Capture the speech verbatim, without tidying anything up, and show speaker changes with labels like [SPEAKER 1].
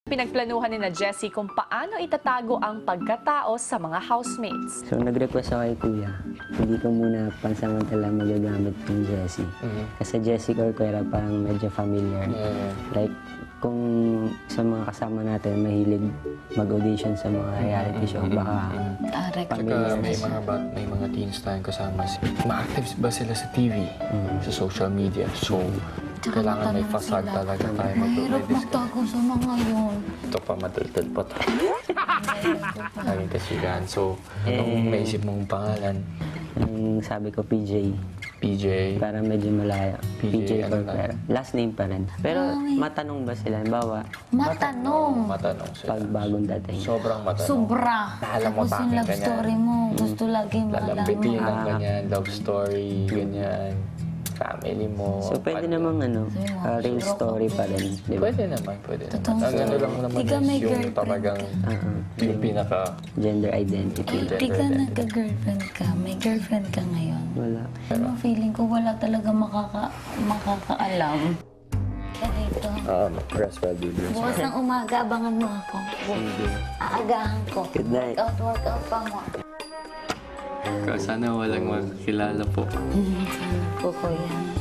[SPEAKER 1] Pinagplanuhan ni na Jessie kung paano itatago ang pagkatao sa mga housemates.
[SPEAKER 2] So nag-request ako kay Kuya, hindi ko muna pansamantala magagamit yung Jessie.
[SPEAKER 3] Mhm.
[SPEAKER 2] Kasi Jessie Corcuera parang medyo familiar.
[SPEAKER 3] Yeah.
[SPEAKER 2] Like, kung sa mga kasama natin mahilig mag-audition sa mga reality show, baka
[SPEAKER 4] Tarek.
[SPEAKER 2] familiar
[SPEAKER 3] Tsaka may
[SPEAKER 2] siya.
[SPEAKER 3] mga bat, may mga teens tayong kasama. Ma-active ba sila sa T V, sa social media? So,
[SPEAKER 4] Tsaka
[SPEAKER 3] kailangan may
[SPEAKER 4] matanong
[SPEAKER 3] fasad
[SPEAKER 4] sila.
[SPEAKER 3] talaga tayo
[SPEAKER 4] Mahirap
[SPEAKER 3] mag-provide.
[SPEAKER 4] magtago sa mga yun.
[SPEAKER 3] Ito pa, madaldal pa tayo. Laging kasigahan. So, anong naisip mong pangalan?
[SPEAKER 2] Yung sabi ko, P J.
[SPEAKER 3] P J?
[SPEAKER 2] Para medyo malaya.
[SPEAKER 3] P J,
[SPEAKER 2] P J
[SPEAKER 3] ano
[SPEAKER 2] Corcuera. Last name pa rin. Pero
[SPEAKER 4] Ay.
[SPEAKER 2] matanong ba sila? Bawa,
[SPEAKER 4] Matanong.
[SPEAKER 3] Matanong sila.
[SPEAKER 2] pag bagong dating.
[SPEAKER 3] Sobrang matanong.
[SPEAKER 4] Sobra.
[SPEAKER 3] Alam mo
[SPEAKER 4] Tapos yung
[SPEAKER 3] bakit
[SPEAKER 4] love
[SPEAKER 3] ganyan?
[SPEAKER 4] story mo, gusto lagi
[SPEAKER 3] Lalambitin
[SPEAKER 4] malaman.
[SPEAKER 3] lang
[SPEAKER 2] Ah.
[SPEAKER 3] ganyan, love story, ganyan. Family mo.
[SPEAKER 2] So pwede
[SPEAKER 3] ano.
[SPEAKER 2] namang ano, uh, real story pa rin. Di ba?
[SPEAKER 3] Pwede naman, pwede
[SPEAKER 4] Totoong
[SPEAKER 3] naman. Ang ano
[SPEAKER 4] story.
[SPEAKER 3] lang naman
[SPEAKER 4] Di ka
[SPEAKER 3] is
[SPEAKER 4] may
[SPEAKER 3] yung
[SPEAKER 4] girlfriend.
[SPEAKER 3] talagang
[SPEAKER 2] Uh-uh.
[SPEAKER 3] yung pinaka...
[SPEAKER 2] Gender identity.
[SPEAKER 4] Eh, di ka nagka-girlfriend ka. May girlfriend ka ngayon.
[SPEAKER 2] Wala.
[SPEAKER 4] Ano, feeling ko wala talaga makaka, makakaalam. Kaya dito.
[SPEAKER 3] Um, rest well, baby.
[SPEAKER 4] Bukas ng umaga, abangan mo ako. Aagahan ko.
[SPEAKER 2] Good night.
[SPEAKER 4] Workout, workout pa mo.
[SPEAKER 3] Sana walang makakilala po.
[SPEAKER 4] Sana po ko yan.